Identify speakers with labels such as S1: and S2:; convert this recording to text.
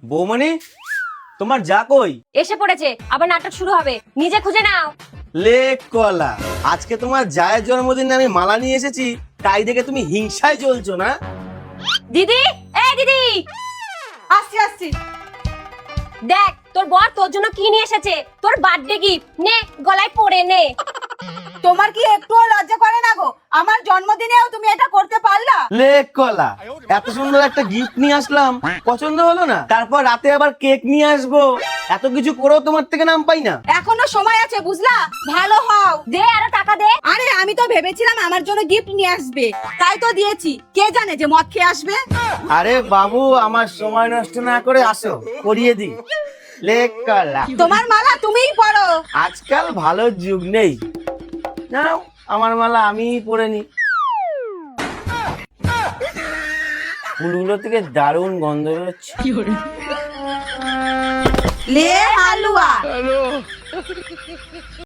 S1: বৌমনি, তোমার যা কই?
S2: এসে পড়েছে, আবার নাটক শুরু হবে, নিজে খুঁজে নাও।
S1: লে কলা, আজকে তোমার জায়ের জন্মদিনে আমি মালা নিয়ে এসেছি, তাই দেখে তুমি হিংসায় জ্বলছো না?
S2: দিদি, এই দিদি,
S3: আসছি আসছি।
S2: দেখ তোর বর তোর জন্য কি নিয়ে এসেছে, তোর বার্থডে গিফট, নে গলায় পরে নে।
S3: তোমার কি একটুও লজ্জা করে না গো? আমার জন্মদিনেও তুমি এটা করতে পারলা?
S1: লে কলা, এত সুন্দর একটা গিফট নিয়ে আসলাম, পছন্দ হলো না? তারপর রাতে আবার কেক নিয়ে আসবো, এত কিছু করেও তোমার থেকে নাম পাই না।
S3: এখনো সময় আছে বুঝলা, ভালো হও।
S2: দে আরো টাকা দে।
S3: আরে আমি তো ভেবেছিলাম আমার জন্য গিফট নিয়ে আসবে, তাই তো দিয়েছি। কে জানে যে মদ খেয়ে আসবে।
S1: আরে বাবু, আমার সময় নষ্ট না করে আসো, করিয়ে দি। লে কলা,
S3: তোমার মালা তুমিই পরো।
S1: আজকাল ভালো যুগ নেই, নাও আমার মালা আমিই পরে নি। ফুলগুলো থেকে দারুণ গন্ধ বেরোচ্ছে।
S3: লে হালুয়া।